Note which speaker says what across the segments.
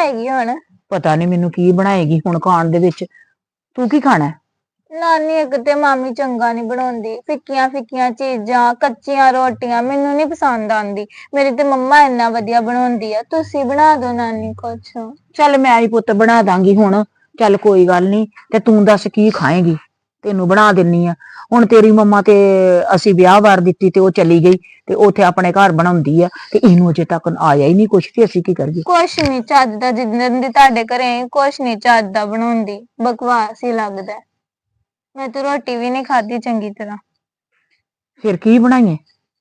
Speaker 1: ਬਣਾਏਗੀ ਹੁਣ?
Speaker 2: ਪਤਾ ਨਹੀਂ ਮੈਨੂੰ ਕੀ ਬਣਾਏਗੀ ਹੁਣ ਖਾਣ ਦੇ ਵਿੱਚ। ਤੂੰ ਕੀ ਖਾਣਾ ਹੈ?
Speaker 1: ਨਾਨੀ ਇੱਕ ਤੇ ਮਾਮੀ ਚੰਗਾ ਨਹੀਂ ਬਣਾਉਂਦੀ, ਫਿੱਕੀਆਂ ਫਿੱਕੀਆਂ ਚੀਜ਼ਾਂ, ਕੱਚੀਆਂ ਰੋਟੀਆਂ ਮੈਨੂੰ ਨਹੀਂ ਪਸੰਦ ਆਉਂਦੀ। ਮੇਰੀ ਤੇ ਮੰਮਾ ਇੰਨਾ ਵਧੀਆ ਬਣਾਉਂਦੀ ਆ, ਤੁਸੀਂ ਬਣਾ ਦਿਓ ਨਾਨੀ ਕੁਛ।
Speaker 2: ਚੱਲ ਮੈਂ ਹੀ ਪੁੱਤ ਬਣਾ ਦਾਂਗੀ ਹੁਣ। ਚੱਲ ਕੋਈ ਗੱਲ ਨਹੀਂ। ਤੇ ਤੂੰ ਦੱਸ ਕੀ ਖਾਏਂਗੀ? ਤੈਨੂੰ ਬਣਾ ਦਿੰਨੀ ਆ। ਹੁਣ ਤੇਰੀ ਮੰਮਾ ਤੇ ਅਸੀਂ ਵਿਆਹ ਵਾਰ ਦਿੱਤੀ ਤੇ ਉਹ ਚਲੀ ਗਈ ਤੇ ਉੱਥੇ ਆਪਣੇ ਘਰ ਬਣਾਉਂਦੀ ਆ ਤੇ ਇਹਨੂੰ ਅਜੇ ਤੱਕ ਆਇਆ ਹੀ ਨਹੀਂ ਕੁਛ, ਤੇ ਅਸੀਂ ਕੀ ਕਰੀਏ?
Speaker 1: ਕੁਛ ਨਹੀਂ ਚੱਜ ਦਾ, ਜਿੱਦਣ ਦੀ ਤੁਹਾਡੇ ਘਰੇ ਆਈ ਕੁਛ ਨਹੀਂ ਚੱਜ ਦਾ ਬਣਾਉਂਦੀ, ਬਕਵਾਸ ਹੀ ਲੱਗਦਾ। ਮੈਂ ਤਾਂ ਰੋਟੀ ਵੀ ਨਹੀਂ ਖਾਧੀ ਚੰਗੀ ਤਰ੍ਹਾਂ।
Speaker 2: ਫਿਰ ਕੀ ਬਣਾਈਏ?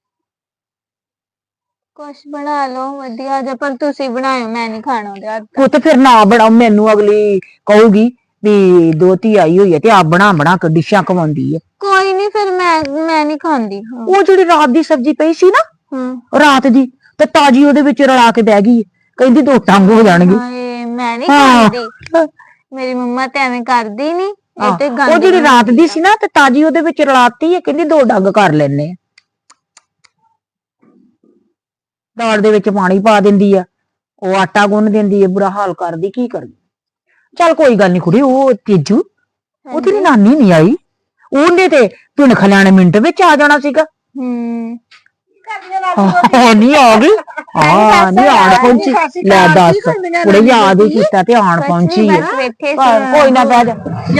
Speaker 1: ਕੁਛ ਬਣਾ ਲਓ ਵਧੀਆ ਜਿਹਾ, ਪਰ ਤੁਸੀਂ ਬਣਾਇਓ, ਮੈਂ ਨਹੀਂ ਖਾਣਾ ਉਹਦੇ ਹੱਥ ਦਾ।
Speaker 2: ਪੁੱਤ ਫਿਰ ਨਾ ਬਣਾਓ, ਮੈਨੂੰ ਅਗਲੀ ਕਹੂਗੀ ਵੀ ਦੋਤੀ ਆਈ ਹੋਈ ਹੈ ਤੇ ਆਪ ਬਣਾ ਬਣਾ ਕੇ ਡਿਸ਼ਾਂ ਖਵਾਉਂਦੀ ਹੈ।
Speaker 1: ਕੋਈ ਨਹੀਂ ਫਿਰ ਮੈਂ ਨਹੀਂ ਖਾਂਦੀ।
Speaker 2: ਉਹ ਜਿਹੜੀ ਰਾਤ ਦੀ ਸਬਜ਼ੀ ਪਈ ਸੀ ਨਾ, ਰਾਤ ਦੀ, ਤੇ ਤਾਜੀ ਉਹਦੇ ਵਿੱਚ ਰਲਾ ਕੇ ਬਹਿ ਗਈ, ਕਹਿੰਦੀ ਦੋ ਟੰਗ ਹੋ ਜਾਣਗੇ।
Speaker 1: ਹਾਏ ਮੈਂ ਨਹੀਂ ਖਾਂਦੀ, ਮੇਰੀ ਮੰਮਾ ਤੇ ਐਵੇਂ ਕਰਦੀ ਨਹੀਂ। ਇਹ ਤੇ
Speaker 2: ਉਹ
Speaker 1: ਗੰਦ
Speaker 2: ਜਿਹੜੀ ਰਾਤ ਦੀ ਸੀ ਨਾ ਤੇ ਤਾਜੀ ਉਹਦੇ ਵਿੱਚ ਰਲਾਤੀ ਹੈ, ਕਹਿੰਦੀ ਦੋ ਡੰਗ ਕਰ ਲੈਣੇ ਆ। ਦਾਲ ਦੇ ਵਿੱਚ ਪਾਣੀ ਪਾ ਦਿੰਦੀ ਆ, ਉਹ ਆਟਾ ਗੁੰਨ ਦਿੰਦੀ ਹੈ, ਬੁਰਾ ਹਾਲ ਕਰਦੀ, ਕੀ ਕਰਦੀ। ਚੱਲ ਕੋਈ ਗੱਲ ਨਹੀਂ ਕੁੜੀ, ਉਹ ਤੇਜੂ ਉਹ ਤੇਰੀ ਨਾਨੀ ਨਹੀਂ ਆਈ, ਉਹਨੇ ਤੇ ਪਿੰਡ ਖਲਿਆਣੇ ਮਿੰਟ ਵਿੱਚ ਆ ਜਾਣਾ ਸੀਗਾ। ਨਹੀਂ ਆ ਗਈ, ਨਹੀਂ ਆਣ ਪਹੁੰਚੀ। ਲੈ ਦੱਸ, ਕੁੜੇ ਯਾਦ ਹੀ ਕੀਤਾ ਤੇ ਆਣ ਪਹੁੰਚੀ ਹੈ। ਕੋਈ ਨਾ ਬਹਿ ਜਾ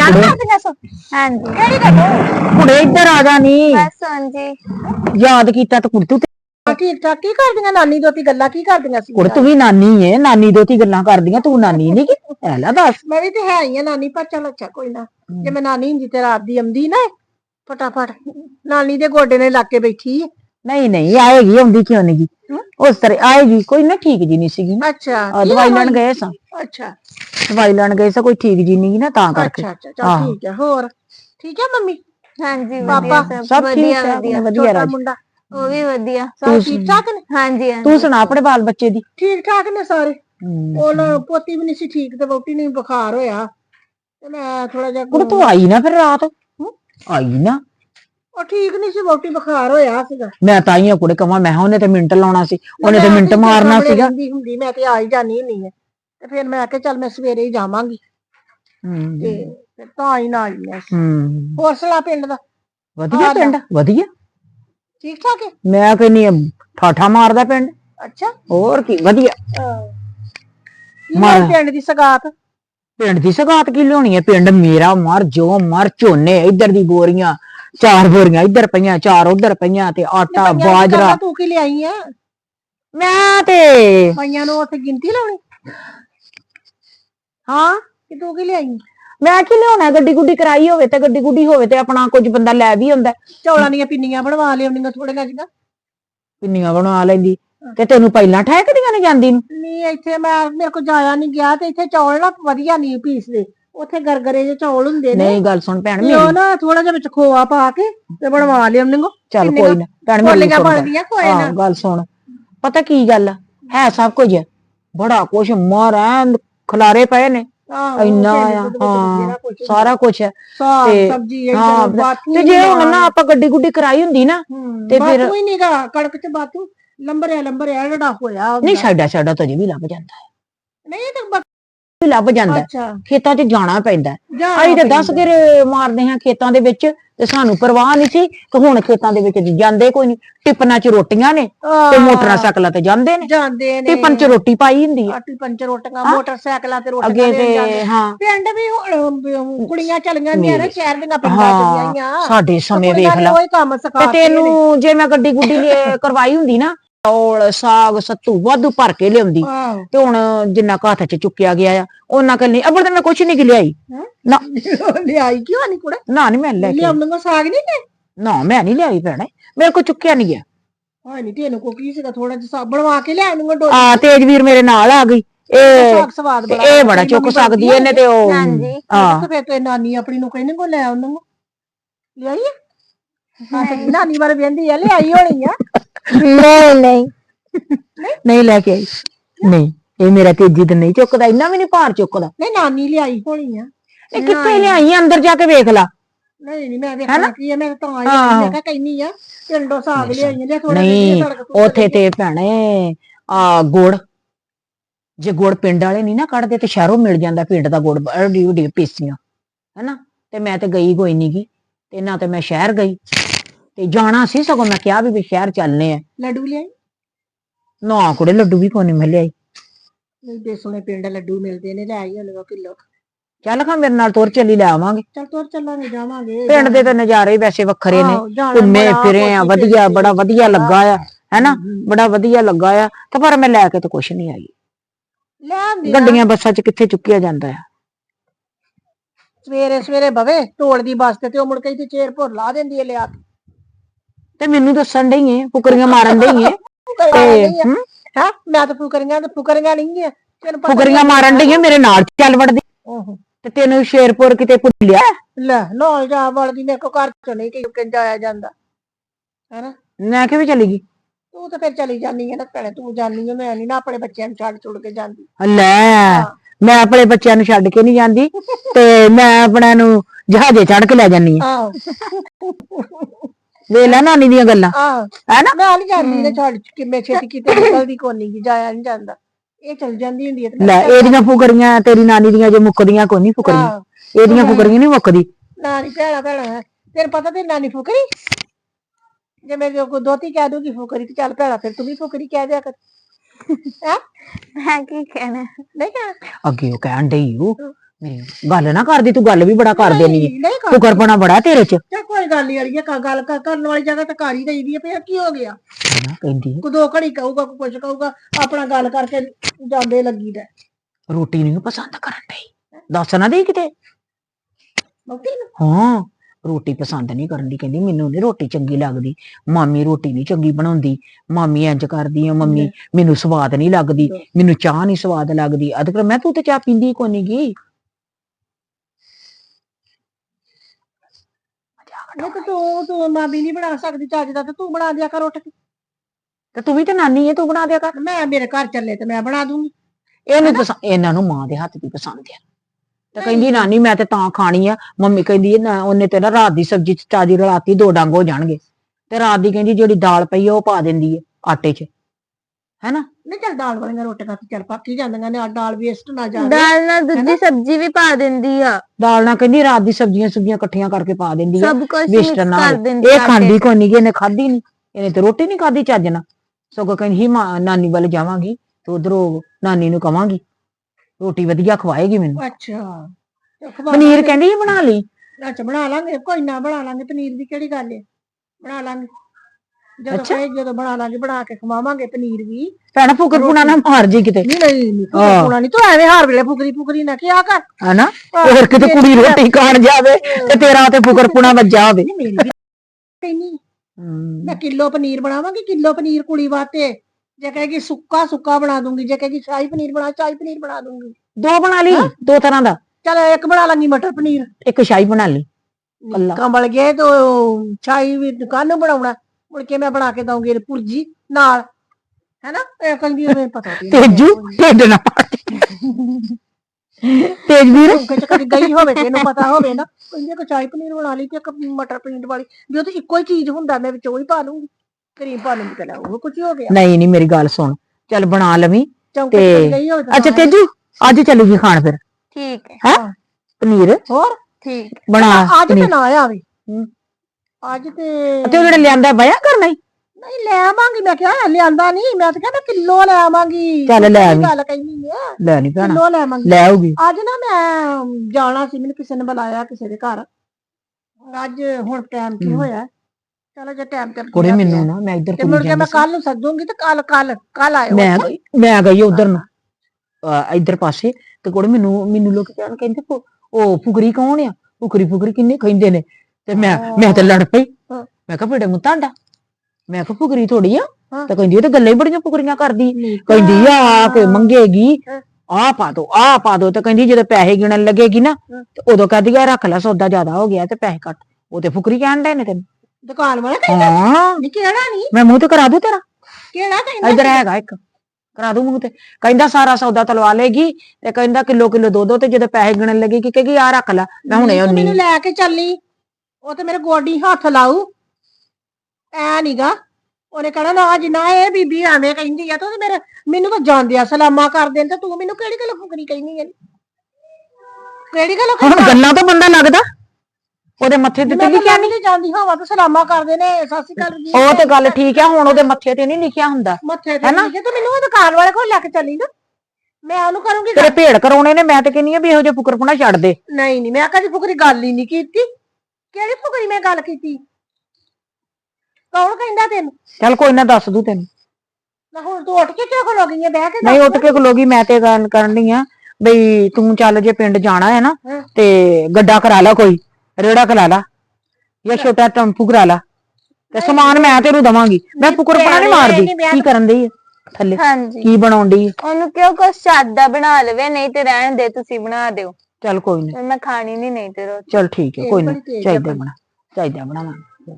Speaker 2: ਕੁੜੇ, ਇੱਧਰ ਆ ਜਾ। ਨੀ ਯਾਦ ਕੀਤਾ ਤੇ ਕੁੜੀ ਤੂੰ
Speaker 3: ਠੀਕ ਠਾਕ ਕੀ ਕਰਦੀਆਂ? ਨਾਨੀ ਦੋਤੀ ਗੱਲਾਂ ਕੀ ਕਰਦੀਆਂ ਸੀ?
Speaker 2: ਕੁੜੇ ਤੂੰ ਵੀ ਨਾਨੀ ਏ, ਨਾਨੀ ਦੋਤੀ ਗੱਲਾਂ ਕਰਦੀਆਂ, ਤੂੰ ਨਾਨੀ ਨਹੀਂ ਕਿ? ਐ ਲੈ ਦੱਸ।
Speaker 3: ਮੈਂ ਵੀ ਤੇ ਹੈ ਹੀ ਆ ਨਾਨੀ, ਪਰ ਚੱਲ ਅੱਛਾ ਕੋਈ ਨਾ। ਜੇ ਮੈਂ ਨਾਨੀ ਹੁੰਦੀ ਤੇ ਰਾਤ ਦੀ ਆਉਂਦੀ ਨਾ ਫਟਾਫਟ, ਨਾਨੀ ਦੇ ਗੋਡੇ ਨੇ ਲਾ ਕੇ ਬੈਠੀ।
Speaker 2: ਨਹੀਂ ਨਹੀਂ ਆਏਗੀ, ਆਉਂਦੀ ਕਿਉਂ ਨਹੀਂ? ਉਸ ਤਰ੍ਹਾਂ ਆਏਗੀ, ਕੋਈ ਨਾ ਠੀਕ ਜੀ ਨਹੀਂ ਸੀਗੀ।
Speaker 3: ਅੱਛਾ
Speaker 2: ਦਵਾਈ ਲੈਣ ਗਏ ਸਾਂ।
Speaker 3: ਅੱਛਾ
Speaker 2: ਦਵਾਈ ਲੈਣ ਗਏ ਸਾਂ, ਕੋਈ ਠੀਕ ਜੀ ਨਹੀਂ ਨਾ, ਤਾਂ ਕਰਕੇ।
Speaker 3: ਅੱਛਾ ਚੱਲ ਠੀਕ ਹੈ। ਹੋਰ ਠੀਕ ਹੈ ਮੰਮੀ?
Speaker 1: ਹਾਂਜੀ
Speaker 3: ਪਾਪਾ
Speaker 2: ਸਭ ਵਧੀਆ ਵਧੀਆ।
Speaker 3: ਛੋਟਾ ਮੁੰਡਾ
Speaker 1: ਉਹ ਵੀ ਵਧੀਆ,
Speaker 3: ਸਭ ਠੀਕ ਠਾਕ ਨੇ?
Speaker 1: ਹਾਂਜੀ
Speaker 2: ਤੂੰ ਸੁਣਾ ਆਪਣੇ ਬਾਲ ਬੱਚੇ ਦੀ?
Speaker 3: ਠੀਕ ਠਾਕ ਨੇ ਸਾਰੇ। ਉਹ ਪੋਤੀ ਵੀ ਨਹੀਂ ਸੀ ਠੀਕ ਤੇ ਵਹੁਟੀ ਨੂੰ ਬੁਖਾਰ ਹੋਇਆ ਤੇ ਮੈਂ ਥੋੜਾ ਜਿਹਾ।
Speaker 2: ਕੁੜੇ ਤੂੰ ਆਈ ਨਾ ਫਿਰ ਰਾਤ, ਆਈ ਨਾ।
Speaker 3: ਉਹ ਠੀਕ ਨਹੀਂ ਸੀ ਵਹੁਟੀ, ਬੁਖਾਰ ਹੋਇਆ ਸੀਗਾ।
Speaker 2: ਮੈਂ ਤਾਂ ਹੀ ਕੁੜੇ ਕਵਾਂ, ਮੈਂ ਉਹਨੇ ਤੇ ਮਿੰਟ ਲਾਉਣਾ ਸੀ, ਉਹਨੇ ਤੇ ਮਿੰਟ ਮਾਰਨਾ ਸੀਗਾ।
Speaker 3: ਹੁੰਦੀ ਮੈਂ ਤੇ ਆ ਹੀ ਜਾਣੀ ਹੁੰਦੀ ਹੈ, ਤੇ ਫਿਰ ਮੈਂ ਕਿਹਾ ਚੱਲ ਮੈਂ ਸਵੇਰੇ ਹੀ ਜਾਵਾਂਗੀ ਤੇ ਫਿਰ ਤਾਂ ਹੀ ਨਾ ਆਈ। ਹੋਰ ਸੁਣਾ ਪਿੰਡ ਦਾ?
Speaker 2: ਵਧੀਆ ਪਿੰਡ, ਵਧੀਆ
Speaker 3: ਠੀਕ ਠਾਕ ਹੈ।
Speaker 2: ਮੈਂ ਕਹਿੰਦੀ ਆ ਠਾਠਾ ਮਾਰਦਾ ਪਿੰਡ।
Speaker 3: ਅੱਛਾ
Speaker 2: ਹੋਰ ਕੀ ਵਧੀਆ।
Speaker 3: ਪਿੰਡ ਦੀ ਸਗਾਤ?
Speaker 2: ਪਿੰਡ ਦੀ ਸਗਾਤ ਕੀ ਲਿਆਉਣੀ ਹੈ? ਪਿੰਡ ਮੇਰਾ ਮਰ ਜੋ ਮਰ, ਝੋਨੇ ਇੱਧਰ ਦੀ ਬੋਰੀਆਂ, 4 ਬੋਰੀਆਂ ਇੱਧਰ ਪਈਆਂ, 4 ਉੱਧਰ ਪਈਆਂ, ਤੇ ਆਟਾ ਬਾਜਰਾ।
Speaker 3: ਤੂੰ ਕੀ ਲਿਆਈ ਆ?
Speaker 2: ਮੈਂ ਤੇ
Speaker 3: ਪਈਆਂ ਨੂੰ ਉੱਥੇ ਗਿਣਤੀ ਲਾਉਣੀ। ਹਾਂ ਕਿ ਤੂੰ ਕੀ ਲਿਆਈ?
Speaker 2: ਮੈਂ ਕੀ ਲਿਆਉਣਾ? ਗੱਡੀ ਗੁੱਡੀ ਕਰਾਈ ਹੋਵੇ ਤੇ ਗੱਡੀ ਗੁੱਡੀ ਹੋਵੇ ਤੇ ਆਪਣਾ ਕੁਝ ਬੰਦਾ ਲੈ ਵੀ ਆਉਂਦਾ।
Speaker 3: ਚੌਲਾਂ ਦੀਆਂ ਪਿੰਨੀਆਂ ਬਣਵਾ ਲਿਆਉਣੀਆਂ ਥੋੜੀਆਂ ਜਿਹੀਆਂ।
Speaker 2: ਪਿੰਨੀਆਂ ਬਣਾ ਲੈਂਦੀ ਤੇ ਤੈਨੂੰ ਪਹਿਲਾਂ ਠਹਿਕਦੀਆਂ ਨੇ ਜਾਂਦੀ ਨੂੰ?
Speaker 3: ਨਹੀਂ ਇੱਥੇ ਮੇਰੇ ਕੋਲ ਜਾਇਆ ਨਹੀਂ ਗਿਆ, ਤੇ ਇੱਥੇ ਚੌਲ ਨਾ ਵਧੀਆ ਨਹੀਂ ਪੀਸਦੇ, ਉੱਥੇ ਗਰਗਰੇ ਜਿਹੇ ਚੌਲ ਹੁੰਦੇ ਨੇ।
Speaker 2: ਨਹੀਂ ਗੱਲ ਸੁਣ ਭੈਣ ਮੇਰੀ,
Speaker 3: ਉਹ ਨਾ ਥੋੜਾ ਜਿਹਾ ਵਿੱਚ ਖੋਆ ਪਾ ਕੇ ਤੇ ਬਣਵਾ ਲਿਆਉਣੀਆਂ।
Speaker 2: ਚੱਲ ਕੋਈ ਨਾ ਭੈਣ ਮੇਰੀ ਗੱਲ ਸੁਣ, ਪਤਾ ਕੀ ਗੱਲ ਹੈ, ਸਭ ਕੁਝ ਬੜਾ ਕੁਛ ਮਾਰਾਂ ਖਲਾਰੇ ਪਏ ਨੇ, ਇੰਨਾ ਆ। ਹਾਂ ਸਾਰਾ ਕੁਛ ਹੈ ਤੇ ਜੇ ਹੁਣ ਨਾ ਆਪਾਂ ਗੱਡੀ ਗੁੱਡੀ ਕਰਾਈ ਹੁੰਦੀ ਨਾ ਤੇ ਫਿਰ
Speaker 3: ਕੋਈ ਨੀਗਾ ਕਣਕ ਚ ਬਾਤੂ ਲੰਬਰਿਆ ਜਿਹੜਾ ਹੋਇਆ।
Speaker 2: ਨਹੀਂ ਸਾਡਾ ਤਾਂ ਅਜੇ ਵੀ ਲੱਭ ਜਾਂਦਾ ਹੈ।
Speaker 3: ਨਹੀਂ ਤੇ
Speaker 2: ਲੱਭ ਜਾਂਦਾ, ਖੇਤਾਂ 'ਚ ਜਾਣਾ ਪੈਂਦਾ। ਅਸੀਂ ਤੇ 10 ਗੇਰੇ ਮਾਰਦੇ ਹਾਂ ਖੇਤਾਂ ਦੇ ਵਿੱਚ, ਤੇ ਸਾਨੂੰ ਪਰਵਾਹ ਨਹੀਂ ਸੀ। ਤੇ ਹੁਣ ਖੇਤਾਂ ਦੇ ਵਿੱਚ ਜਾਂਦੇ ਕੋਈ ਨਹੀਂ, ਟਿਪਨਾਂ 'ਚ ਰੋਟੀਆਂ ਨੇ ਤੇ ਮੋਟਰਸਾਈਕਲਾਂ ਤੇ ਜਾਂਦੇ ਨੇ, ਟਿਪਨ 'ਚ ਰੋਟੀ ਪਾਈ ਹੁੰਦੀ ਹੈ।
Speaker 3: ਟਿਪਨ 'ਚ ਰੋਟੀਆਂ, ਮੋਟਰਸਾਈਕਲਾਂ ਤੇ ਰੋਟੀਆਂ
Speaker 2: ਅੱਗੇ ਤੇ ਹਾਂ
Speaker 3: ਪਿੰਡ ਵੀ ਹੁਣ ਕੁੜੀਆਂ ਚਲੀਆਂ ਗਈਆਂ ਨੇ ਸ਼ਹਿਰ ਦੀਆਂ, ਪਿੰਡਾਂ 'ਚ ਗਈਆਂ।
Speaker 2: ਸਾਡੇ ਸਮੇਂ ਵੇਖ ਲਾ, ਤੇ ਤੈਨੂੰ ਜੇ ਮੈਂ ਗੱਡੀ ਗੁੱਡੀ ਕਰਵਾਈ ਹੁੰਦੀ ਨਾ, ਚੌਲ ਸਾਗ ਸੱਤੂ ਵਾਧੂ ਭਰ ਕੇ ਲਿਆਉਂਦੀ, ਤੇ ਹੁਣ ਜਿੰਨਾ ਹੱਥ 'ਚ ਚੁੱਕਿਆ ਗਿਆ ਆ ਉਹਨਾਂ ਕੱਲ ਨਹੀਂ। ਅਬਲ ਤੇ ਮੈਂ ਕੁਛ ਨਹੀਂ ਲਿਆਈ ਨਾ।
Speaker 3: ਲਿਆਈ ਕਿਉਂ ਨਹੀਂ ਕੁੜੇ?
Speaker 2: ਨਾ ਨੀ ਮੈਂ ਲੈ ਕੇ
Speaker 3: ਸਾਗ ਨਹੀਂ
Speaker 2: ਨਾ, ਮੈਂ ਨਹੀਂ ਲਿਆਈ ਭੈਣੇ, ਮੇਰੇ ਕੋਲ ਚੁੱਕਿਆ ਨਹੀਂ ਗਿਆ।
Speaker 3: ਹਾਂ ਨਹੀਂ ਤੈਨੂੰ ਕੋ ਕੀ ਸੀਗਾ, ਥੋੜਾ ਜਿਹਾ ਬਣਵਾ ਕੇ ਲਿਆ ਨੂੰ।
Speaker 2: ਆ ਤੇਜਵੀਰ ਮੇਰੇ ਨਾਲ ਆ ਗਈ, ਇਹ ਬੜਾ ਚੁੱਕ ਸਕਦੀ ਇਹਨੇ ਤੇ ਉਹ।
Speaker 3: ਹਾਂ ਫਿਰ ਤੇ ਨਾਨੀ ਆਪਣੀ ਨੂੰ ਕਹਿੰਦੇ ਕੋ ਲੈ ਉਹਨੂੰ ਲਿਆਈ। ਨਾਨੀ ਬਾਰੇ ਕਹਿੰਦੀ ਆ ਲਿਆਈ ਹੋਣੀ ਆ।
Speaker 2: ਨਹੀਂ ਨਹੀਂ ਲੈ ਕੇ ਆਈ। ਨਹੀਂ ਇਹ ਮੇਰਾ ਤੇਜੀ ਤੇ ਨਹੀਂ ਚੁੱਕਦਾ, ਇੰਨਾ ਵੀ ਨਹੀਂ ਭਾਰ ਚੁੱਕਦਾ।
Speaker 3: ਨਹੀਂ ਨਾਨੀ ਲਿਆਈ ਹੋਣੀ ਆ।
Speaker 2: ਇਹ ਕਿੱਥੇ ਲਿਆਈ? ਅੰਦਰ ਜਾ ਕੇ ਵੇਖ ਲਾ।
Speaker 3: ਨਹੀਂ ਮੈਂ ਵੇਖਣਾ ਕੀ ਆ, ਮੈਂ ਤਾਂ ਮੈਂ ਕਿਹਾ ਕਹਿੰਨੀ ਆ ਪਿੰਡੋਂ ਸਾਗ ਲਿਆਈ ਆ ਥੋੜਾ।
Speaker 2: ਨਹੀਂ ਉੱਥੇ ਤੇ ਭੈਣੇ ਗੁੜ ਜੇ ਗੁੜ ਪਿੰਡ ਵਾਲੇ ਨਹੀਂ ਨਾ ਕੱਢਦੇ ਤੇ ਸ਼ਹਿਰੋਂ ਮਿਲ ਜਾਂਦਾ ਪਿੰਡ ਦਾ ਗੁੜ ਏਡੀ ਏਡੀ ਪੀਸੀਆਂ ਹੈਨਾ। ਤੇ ਮੈਂ ਤੇ ਗਈ ਕੋਈ ਨੀ ਗੀ ਤੇ ਨਾ ਤੇ ਮੈਂ ਸ਼ਹਿਰ ਗਈ ਤੇ ਜਾਣਾ ਸੀ, ਸਗੋਂ ਮੈਂ ਕਿਹਾ ਵੀ ਸ਼ਹਿਰ ਚੱਲਨੇ ਆ।
Speaker 3: ਲੱਡੂ ਲਿਆਈ?
Speaker 2: ਨਾ ਕੁੜੇ ਲੱਡੂ ਵੀ ਕੋਈ ਨੀ ਮੈਂ ਲਿਆਈ।
Speaker 3: ਦੇ ਸੋਹਣੇ ਪਿੰਡ ਲੱਡੂ ਮਿਲਦੇ ਨੇ, ਲੈ ਆਈ ਉਹਨੇ ਕਿਲੋ।
Speaker 2: ਚੱਲ ਖਾ ਮੇਰੇ ਨਾਲ ਤੁਰ ਚੱਲੀ ਲੈ ਆਵਾਂਗੇ।
Speaker 3: ਚੱਲ ਤੁਰ ਚੱਲਾਂਗੇ, ਜਾਵਾਂਗੇ।
Speaker 2: ਪਿੰਡ ਦੇ ਤਾਂ ਨਜ਼ਾਰੇ ਹੀ ਵੈਸੇ ਵੱਖਰੇ ਨੇ, ਘੁੰਮੇ ਫਿਰੇ ਆ, ਵਧੀਆ ਬੜਾ ਵਧੀਆ ਲੱਗਾ ਆ ਹੈਨਾ, ਬੜਾ ਵਧੀਆ ਲੱਗਾ ਆ। ਤੇ ਪਰ ਮੈਂ ਲੈ ਕੇ ਤਾਂ ਕੁਛ ਨਹੀਂ ਆਈ। ਗੱਡੀਆਂ ਬੱਸਾਂ 'ਚ ਕਿੱਥੇ ਚੁੱਕਿਆ ਜਾਂਦਾ ਆ।
Speaker 3: ਸਵੇਰੇ ਸਵੇਰੇ ਬਵੇ ਢੋਲ ਦੀ ਬੱਸ ਤੇ ਉਹ ਮੁੜ ਕੇ ਚੇਰ ਭੁਰ ਲਾ ਦਿੰਦੀ ਹੈ ਲਿਆ ਕੇ।
Speaker 2: ਤੇ ਮੈਨੂੰ ਦੱਸਣ ਡਈ ਏ ਫੁਕਰੀਆਂ ਮਾਰਨ ਡਈ ਏ
Speaker 3: ਹਾਂ ਮੈਂ ਤਾਂ ਫੁਕਰੀਆਂ ਨਹੀਂ ਆ,
Speaker 2: ਫੁਕਰੀਆਂ ਮਾਰਨ ਡਈ ਏ ਮੇਰੇ ਨਾਲ ਚੱਲ ਵੜਦੀ ਤੇ ਤੈਨੂੰ ਸ਼ੇਰਪੁਰ ਕਿਤੇ ਭੁੱਲਿਆ?
Speaker 3: ਲੈ ਨਾਲ ਜਾ ਵੜਦੀ, ਮੇਰੇ ਕੋ ਘਰ ਚੋਂ ਨਹੀਂ ਕਿ ਜਾਇਆ ਜਾਂਦਾ ਹੈਨਾ।
Speaker 2: ਮੈਂ ਕਿਵੇਂ ਚਲੀ ਗਈ?
Speaker 3: ਤੂੰ ਤਾਂ ਫਿਰ ਚਲੀ ਜਾਨੀ ਹੈ ਨਾ ਭੈਣੇ, ਤੂੰ ਜਾਨੀ ਹੈ, ਮੈਂ ਨਹੀਂ ਨਾ ਆਪਣੇ ਬੱਚਿਆਂ ਨੂੰ ਛੱਡ ਕੇ ਜਾਂਦੀ।
Speaker 2: ਲੈ ਮੈਂ ਆਪਣੇ ਬੱਚਿਆਂ ਨੂੰ ਛੱਡ ਕੇ ਨਹੀਂ ਜਾਂਦੀ ਤੇ ਮੈਂ ਆਪਣਾ ਨੂੰ ਜਹਾਜ਼ੇ ਚੜ ਕੇ ਲੈ ਜਾਨੀ ਆ। ਵੇਖ ਲੈ ਨਾਨੀ ਦੀਆਂ ਗੱਲਾਂ ਹੈਨਾ।
Speaker 3: ਮੈਂ ਨਹੀਂ ਜਾਂਦੀ ਨੇ ਛੱਡ ਕਿੰਨੇ ਛੇਤੀ ਕਿਤੇ ਨਿਕਲਦੀ ਕੋਨੀ, ਜਾਇਆ ਨਹੀਂ ਜਾਂਦਾ। ਇਹ ਚਲ ਜਾਂਦੀ ਹੁੰਦੀ ਹੈ।
Speaker 2: ਲੈ ਇਹਦੀਆਂ ਫੁਕਰੀਆਂ ਤੇਰੀ ਨਾਨੀ ਦੀਆਂ ਜੇ ਮੁੱਕਦੀਆਂ ਕੋਈ ਨਹੀਂ ਫੁਕਰੀਆਂ, ਇਹਦੀਆਂ ਫੁਕਰੀਆਂ ਨਹੀਂ ਮੁੱਕਦੀ।
Speaker 3: ਨਾਨੀ ਭੈਣਾ ਤੈਨੂੰ ਪਤਾ ਤੇ ਨਾਨੀ ਫੁਕਰੀ, ਜੇ ਮੇਰੇ ਕੋ ਦੋਤੀ ਕਹਿ ਦੂਗੀ ਫੁਕਰੀ ਤੇ ਚੱਲ ਭੈਣਾ ਫਿਰ ਤੂੰ ਵੀ ਫੁਕਰੀ ਕਹਿ ਦਿਆ ਕਰ।
Speaker 1: ਮੈਂ ਕੀ ਕਹਿਣਾ?
Speaker 3: ਨਹੀਂ ਕਹਿਣਾ
Speaker 2: ਅੱਗੇ ਉਹ ਕਹਿਣ ਡਈ ਮੇਰੀ ਗੱਲ ਨਾ ਕਰਦੀ, ਤੂੰ ਗੱਲ ਵੀ ਬੜਾ ਕਰ ਦੇਣੀ ਹੈ,
Speaker 3: ਨਹੀਂ ਕਰ
Speaker 2: ਫੁਕਰਪਣਾ ਬੜਾ ਤੇਰੇ 'ਚ।
Speaker 3: ਚੱਲ ਕੋਈ ਗੱਲ ਨਹੀਂ ਅੜੀਏ, ਗੱਲ ਕਰਨ ਵਾਲੀ ਜਗ੍ਹਾ ਤੇ ਕਰ ਹੀ ਦਈਦੀ ਹੈ, ਫਿਰ ਕੀ ਹੋ ਗਿਆ?
Speaker 2: ਕਹਿੰਦੀ
Speaker 3: ਕੋ ਦੋ ਘੜੀ ਕਹੂਗਾ, ਕੋ ਕੁਛ ਕਹੂਗਾ, ਆਪਣਾ ਗੱਲ ਕਰਕੇ ਜਾਂਦੇ ਲੱਗੀਦਾ।
Speaker 2: ਰੋਟੀ ਨਹੀਂ ਪਸੰਦ ਕਰਨ ਡਈ, ਦੱਸ ਨਾ ਦੇ ਕਿਤੇ। ਹਾਂ ਰੋਟੀ ਪਸੰਦ ਨਹੀਂ ਕਰਨ ਦੀ, ਕਹਿੰਦੀ ਮੈਨੂੰ ਨੀ ਰੋਟੀ ਚੰਗੀ ਲੱਗਦੀ, ਮਾਮੀ ਰੋਟੀ ਨਹੀਂ ਚੰਗੀ ਬਣਾਉਂਦੀ, ਮਾਮੀ ਇੰਜ ਕਰਦੀ ਆ, ਮੰਮੀ ਮੈਨੂੰ ਸਵਾਦ ਨਹੀਂ ਲੱਗਦੀ, ਮੈਨੂੰ ਚਾਹ ਨਹੀਂ ਸਵਾਦ ਲੱਗਦੀ। ਅਦਕਰ ਮੈਂ ਤੂੰ ਤੇ ਚਾਹ ਪੀਂਦੀ ਕੋਈ ਨੀ ਗੀ।
Speaker 3: ਤੂੰ ਮਾਮੀ ਨਹੀਂ ਬਣਾ ਸਕਦੀ ਚੱਜ ਦਾ ਤੇ ਤੂੰ ਬਣਾ ਦਿਆ ਕਰ ਉੱਠ ਕੇ।
Speaker 2: ਤੇ ਤੂੰ ਵੀ ਤੇ ਨਾਨੀ ਹੈ, ਤੂੰ ਬਣਾ ਦਿਆ ਕਰ।
Speaker 3: ਮੈਂ ਮੇਰੇ ਘਰ ਚੱਲੇ ਤੇ ਮੈਂ ਬਣਾ ਦੂੰਗੀ।
Speaker 2: ਇਹਨੂੰ ਇਹਨਾਂ ਨੂੰ ਮਾਂ ਦੇ ਹੱਥ ਦੀ ਪਸੰਦ ਆ ਤੇ ਕਹਿੰਦੀ ਨਾਨੀ ਮੈਂ ਤੇ ਤਾਂ ਖਾਣੀ ਆ। ਮੰਮੀ ਕਹਿੰਦੀ ਉਹਨੇ ਤੇ ਨਾ ਰਾਤ ਦੀ ਸਬਜ਼ੀ ਚ ਚਾਜੀ ਰਲਾਤੀ, 2 ਡੰਗ ਹੋ ਜਾਣਗੇ। ਤੇ ਰਾਤ ਦੀ ਕਹਿੰਦੀ ਜਿਹੜੀ ਦਾਲ ਪਈ ਆ ਉਹ ਪਾ ਦਿੰਦੀ ਹੈ ਆਟੇ 'ਚ ਹੈਨਾ।
Speaker 3: ਨਹੀਂ ਚੱਲ ਦਾਲ ਵਾਲੀਆਂ ਰੋਟੀਆਂ ਚੱਲ ਪੱਕੀ ਜਾਂਦੀਆਂ ਨੇ, ਦਾਲ ਵੇਸਟ ਨਾ ਜਾਵੇ।
Speaker 1: ਦਾਲ ਨਾਲ ਦੂਜੀ ਸਬਜ਼ੀ ਵੀ ਪਾ ਦਿੰਦੀ ਆ।
Speaker 2: ਦਾਲ ਨਾਲ ਕਹਿੰਦੀ ਰਾਤ ਦੀ ਸਬਜ਼ੀਆਂ ਇਕੱਠੀਆਂ ਕਰਕੇ ਪਾ ਦਿੰਦੀ ਆ,
Speaker 1: ਸਭ ਕੁਝ
Speaker 2: ਵੇਸਟ
Speaker 1: ਮਿਕਸ
Speaker 2: ਨਾ
Speaker 1: ਕਰ
Speaker 2: ਹੋਵੇ।
Speaker 1: ਦਿੰਦੀ
Speaker 2: ਇਹ ਖਾਂਦੀ ਕੋਈ ਨੀ, ਇਹਨੇ ਖਾਧੀ ਨੀ, ਇਹਨੇ ਤੇ ਰੋਟੀ ਨੀ ਖਾਧੀ ਚੱਜ ਨਾਲ। ਸਗੋਂ ਕਹਿੰਦੀ ਨਾਨੀ ਵੱਲ ਜਾਵਾਂਗੀ ਤੇ ਉਧਰੋਂ ਨਾਨੀ ਨੂੰ ਕਵਾਂਗੀ ਰੋਟੀ ਵਧੀਆ ਖਵਾਏਗੀ ਮੈਨੂੰ।
Speaker 3: ਅੱਛਾ
Speaker 2: ਪਨੀਰ ਕਹਿੰਦੀ ਬਣਾ ਲਈ।
Speaker 3: ਅੱਛਾ ਬਣਾ ਲਾਂਗੇ, ਕੋਈ ਨਾ ਬਣਾ ਲਾਂਗੇ, ਪਨੀਰ ਦੀ ਕਿਹੜੀ ਗੱਲ ਹੈ, ਬਣਾ ਲਾਂਗੇ। ਜਦੋਂ ਬਣਾ ਲਾਂਗੇ ਬਣਾ ਕੇ ਖਵਾਵਾਂਗੇ ਪਨੀਰ ਵੀ।
Speaker 2: ਭੈਣਾ ਫੁਕਰਪੁਣਾ ਨਾ ਮਾਰ ਜੀ ਕਿਤੇ।
Speaker 3: ਨਹੀਂ ਫੁਕਰਪੁਣਾ ਨੀ, ਤੂੰ ਐਵੇਂ ਹਰ ਵੇਲੇ ਫੁਕਰੀ ਨਾ ਕਿਹਾ ਕਰ
Speaker 2: ਹਨਾ। ਹੋਰ ਕਿਤੇ ਕੁੜੀ ਰੋਟੀ ਖਾਣ ਜਾਵੇ ਤੇ ਤੇਰਾ ਤੇ ਫੁਕਰਪੁਣਾ ਵੱਜਾ ਹੋਵੇ।
Speaker 3: ਮੈਂ ਕਿਲੋ ਪਨੀਰ ਬਣਾਵਾਂਗੀ, ਕਿਲੋ ਪਨੀਰ ਕੁੜੀ ਵਾਸਤੇ। ਜੇ ਕਹੇਗੀ ਸੁੱਕਾ ਬਣਾ ਦੂੰਗੀ, ਜੇ ਕਹੇਗੀ ਸ਼ਾਹੀ ਪਨੀਰ ਬਣਾ ਦੂੰਗੀ।
Speaker 2: 2 ਬਣਾ ਲਈ, 2 ਤਰ੍ਹਾਂ ਦਾ।
Speaker 3: ਚਲ ਇੱਕ ਬਣਾ ਲਾਂਗੀ ਮਟਰ ਪਨੀਰ,
Speaker 2: ਇੱਕ ਸ਼ਾਹੀ ਬਣਾ ਲਈ।
Speaker 3: ਕੰਬਲ ਗਏ ਤੇ ਸ਼ਾਹੀ ਵੀ ਦੁਕਾਨ ਨੂੰ ਬਣਾਉਣਾ, ਮੁੜ ਕੇ ਮੈਂ ਬਣਾ ਕੇ ਦਊਂਗੀ ਭੁਰਜੀ ਨਾਲ ਹੈਨਾ। ਇਹ ਕਹਿੰਦੀ ਮੈਨੂੰ ਪਤਾ
Speaker 2: ਤੇਜੂ ਢਿੱਡ ਨਾ ਤੇਜਵੀਰ
Speaker 3: ਕਦੀ ਗਈ ਹੋਵੇ ਤੇ ਇਹਨੂੰ ਪਤਾ ਹੋਵੇ ਨਾ। ਕਹਿੰਦੀ ਇੱਕ ਸ਼ਾਹੀ ਪਨੀਰ ਬਣਾ ਲਈ ਤੇ ਇੱਕ ਮਟਰ ਪਨੀਰ ਵਾਲੀ, ਵੀ ਉਹ ਤੇ ਇੱਕੋ ਹੀ ਚੀਜ਼ ਹੁੰਦਾ, ਮੈਂ ਵਿੱਚ ਉਹ ਹੀ ਪਾ ਲੂੰਗੀ, ਕਰੀਮ ਪਾ ਲੂੰਗੀ, ਪਹਿਲਾਂ ਉਹ ਕੁਝ ਹੋ ਗਿਆ।
Speaker 2: ਨਹੀਂ ਮੇਰੀ ਗੱਲ ਸੁਣ, ਚੱਲ ਬਣਾ ਲਵੀਂ
Speaker 3: ਤੇ
Speaker 2: ਅੱਛਾ ਤੇਜੂ ਅੱਜ ਚੱਲੂਗੀ ਖਾਣ ਫਿਰ।
Speaker 1: ਠੀਕ
Speaker 2: ਹੈ ਪਨੀਰ
Speaker 3: ਹੋਰ
Speaker 1: ਠੀਕ
Speaker 2: ਬਣਾ।
Speaker 3: ਅੱਜ ਤੇ ਨਾ ਆਵੇ, ਅੱਜ ਤੇ
Speaker 2: ਉਹ ਜਿਹੜਾ ਲਿਆਂਦਾ ਬਇਆ ਕਰਨਾ ਹੀ
Speaker 3: ਨਹੀਂ ਲੈ ਆਵਾਂਗੀ। ਮੈਂ ਕਿਹਾ ਲਿਆਂਦਾ ਨਹੀਂ, ਮੈਂ ਤਾਂ ਕਹਿੰਦਾ ਕਿਲੋ ਲੈ ਆਵਾਂਗੀ।
Speaker 2: ਚੱਲ ਲੈ ਆਵੀਂ,
Speaker 3: ਗੱਲ ਕਹਿੰਦੀ ਹੈ
Speaker 2: ਲੈ ਨਹੀਂ ਭੈਣਾ
Speaker 3: ਕਿਲੋ ਲੈ ਆਵਾਂਗੀ।
Speaker 2: ਲੈ ਆਉਗੀ
Speaker 3: ਅੱਜ ਨਾ ਮੈਂ ਜਾਣਾ ਸੀ, ਮੈਨੂੰ ਕਿਸੇ ਨੇ ਬੁਲਾਇਆ ਕਿਸੇ ਦੇ ਘਰ। ਅੱਜ ਹੁਣ ਟਾਈਮ ਕੀ ਹੋਇਆ, ਚਲੋ ਜੇ ਟਾਈਮ ਤੇ
Speaker 2: ਕੁੜੇ ਮੈਨੂੰ ਨਾ ਮੈਂ ਇੱਧਰ
Speaker 3: ਤੇ ਮੁੜ ਕੇ ਮੈਂ ਕੱਲ ਨੂੰ ਸੱਦੂਗੀ ਤੇ ਕੱਲ ਆਇਓ।
Speaker 2: ਮੈਂ ਗਈ ਉਧਰ ਨੂੰ ਇੱਧਰ ਪਾਸੇ ਤੇ ਕੁੜੇ ਮੈਨੂੰ ਲੋਕ ਕਹਿੰਦੇ ਉਹ ਫੁਕਰੀ ਕੌਣ ਆ, ਫੁਕਰੀ ਕਿੰਨੇ ਕਹਿੰਦੇ ਨੇ। ਤੇ ਮੈਂ ਤੇ ਲੜ ਪਈ, ਮੈਂ ਕਿਹਾ ਬੇੜੇ ਮੂੰਹ ਤੁਹਾਡਾ, ਮੈਂ ਕਿਹਾ ਫੁਕਰੀ ਥੋੜੀ ਆ। ਤੇ ਕਹਿੰਦੀ ਉਹ ਤੇ ਗੱਲਾਂ ਹੀ ਬੜੀਆਂ ਫੁਕਰੀਆਂ ਕਰਦੀ, ਕਹਿੰਦੀ ਆ ਕੇ ਮੰਗੇਗੀ ਆਹ ਪਾ ਦੋ ਤੇ ਕਹਿੰਦੀ ਜਦੋਂ ਪੈਸੇ ਗਿਣਨ ਲੱਗੇਗੀ ਨਾ ਤੇ ਉਦੋਂ ਕਹਦੀ ਆ ਰੱਖ ਲੈ ਸੌਦਾ ਜ਼ਿਆਦਾ ਹੋ ਗਿਆ ਤੇ ਪੈਸੇ ਕੱਟ। ਉਹ ਤੇ ਫੁਕਰੀ ਕਹਿਣ ਡਏ ਨੇ ਤੈਨੂੰ
Speaker 3: ਦੁਕਾਨ ਵਾਲਾ।
Speaker 2: ਹਾਂ
Speaker 3: ਕਿਹੜਾ ਨਹੀਂ,
Speaker 2: ਮੈਂ ਮੂੰਹ ਤੇ ਕਰਾ ਦੂ ਤੇਰਾ,
Speaker 3: ਕਿਹੜਾ ਕਹਿੰਦਾ
Speaker 2: ਇੱਧਰ ਹੈਗਾ ਇੱਕ, ਕਰਾ ਦੂ ਮੂੰਹ ਤੇ। ਕਹਿੰਦਾ ਸਾਰਾ ਸੌਦਾ ਤਲਵਾ ਲੇਗੀ ਤੇ ਕਹਿੰਦਾ ਕਿਲੋ ਦੋ ਤੇ ਜਦੋਂ ਪੈਸੇ ਗਿਣਨ ਲੱਗੇਗੀ ਕਹੇਗੀ ਆ ਰੱਖ ਲੈ, ਮੈਂ ਹੁਣੇ ਆਉਣੀ।
Speaker 3: ਮੈਨੂੰ ਲੈ ਕੇ ਚੱਲੀ, ਉਹ ਤੇ ਮੇਰੇ ਗੋਡੀ ਹੱਥ ਲਾਊ ਐ ਨੀਗਾ। ਉਹਨੇ ਕਹਿਣਾ ਨਾ ਜਿੰਨਾ ਇਹ ਬੀਬੀ ਐਵੇਂ ਕਹਿੰਦੀ ਆ ਤੂੰ ਮੇਰੇ ਮੈਨੂੰ ਤਾਂ ਜਾਂਦਿਆ ਸਲਾਮਾਂ ਕਰ ਦੇਣ ਤੇ ਤੂੰ ਮੈਨੂੰ ਕਿਹੜੀ ਗੱਲ ਫੁਕਰੀ ਕਹਿੰਦੀ ਆ ਕਿਹੜੀ ਗੱਲ
Speaker 2: ਹੁਣ ਗੱਲਾਂ ਤੋਂ ਬੰਦਾ ਲੱਗਦਾ ਉਹਦੇ ਮੱਥੇ ਤੇ
Speaker 3: ਮੈਂ
Speaker 2: ਲਿਖਿਆ
Speaker 3: ਨਹੀਂ ਜਾਂਦੀ ਹੋਵਾਂ ਤਾਂ ਸਲਾਮਾਂ ਕਰਦੇ ਨੇ ਸਤਿ ਸ਼੍ਰੀ ਅਕਾਲ ਜੀ
Speaker 2: ਉਹ ਤੇ ਗੱਲ ਠੀਕ ਆ ਹੁਣ ਉਹਦੇ ਮੱਥੇ ਤੇ ਨਹੀਂ ਲਿਖਿਆ ਹੁੰਦਾ
Speaker 3: ਮੱਥੇ ਤੇ ਲਿਖੇ ਤੇ ਮੈਨੂੰ ਉਹ ਦੁਕਾਨ ਵਾਲੇ ਕੋਲ ਲੈ ਕੇ ਚੱਲੀ ਨਾ ਮੈਂ ਉਹਨੂੰ ਕਰੂੰਗੀ
Speaker 2: ਤੇਰੇ ਭੇੜ ਕਰਾਉਣੇ ਨੇ ਮੈਂ ਤੇ ਕਹਿੰਨੀ ਆ ਵੀ ਇਹੋ ਜਿਹੇ ਫੁਕਰਪੁਣਾ ਛੱਡ ਦੇ
Speaker 3: ਨਹੀਂ ਮੈਂ ਕਦੀ ਫੁਕਰੀ ਗੱਲ ਹੀ ਨਹੀਂ ਕੀਤੀ ਕਿਹੜੀ ਫੁਕਰੀ ਮੈਂ ਗੱਲ ਕੀਤੀ ਕੌਣ ਕਹਿੰਦਾ ਤੈਨੂੰ
Speaker 2: ਚੱਲ ਕੋਈ ਨਾ ਦੱਸ ਦੂ ਤੈਨੂੰ
Speaker 3: ਨਾ ਹੁਣ ਤੂੰ ਉੱਠ ਕੇ ਕਿਉਂ ਖਲੋ ਗਈ ਹੈ ਬਹਿ ਕੇ
Speaker 2: ਨਹੀਂ ਉੱਠ ਕੇ ਖਲੋਗੀ ਮੈਂ ਤੇ ਗੱਲ ਕਰਨੀ ਆ ਬਈ ਤੂੰ ਚੱਲ ਜੇ ਪਿੰਡ ਜਾਣਾ ਹੈ ਨਾ ਤੇ ਗੱਡਾ ਕਰਾ ਲਾ ਕੋਈ ਰੇੜਾ ਕਰਾ ਲਾ ਜਾਂ ਛੋਟਾ ਟੈਂਪੂ ਕਰਾ ਲਾ ਤੇ ਸਮਾਨ ਮੈਂ ਤੈਨੂੰ ਦਵਾਂਗੀ ਮੈਂ ਫੁਕਰਪੁਣਾ ਨਹੀਂ ਮਾਰਦੀ ਕੀ ਕਰਨ ਦੀ ਥੱਲੇ
Speaker 1: ਹਾਂਜੀ
Speaker 2: ਕੀ ਬਣਾਉਂਦੀ
Speaker 1: ਉਹਨੂੰ ਕਿਉਂ ਕੁਛ ਸਾਦਾ ਬਣਾ ਲਵੇ ਨਹੀਂ ਤੇ ਰਹਿਣ ਦੇ ਤੁਸੀਂ ਬਣਾ ਦਿਓ
Speaker 2: ਚੱਲ ਕੋਈ ਨਹੀਂ
Speaker 1: ਮੈਂ ਖਾਣੀ ਨਹੀਂ ਤੇ ਰੋਟੀ
Speaker 2: ਚੱਲ ਠੀਕ ਹੈ ਕੋਈ ਨਹੀਂ ਚਾਹੀਦਾ ਬਣਾਵਾਂ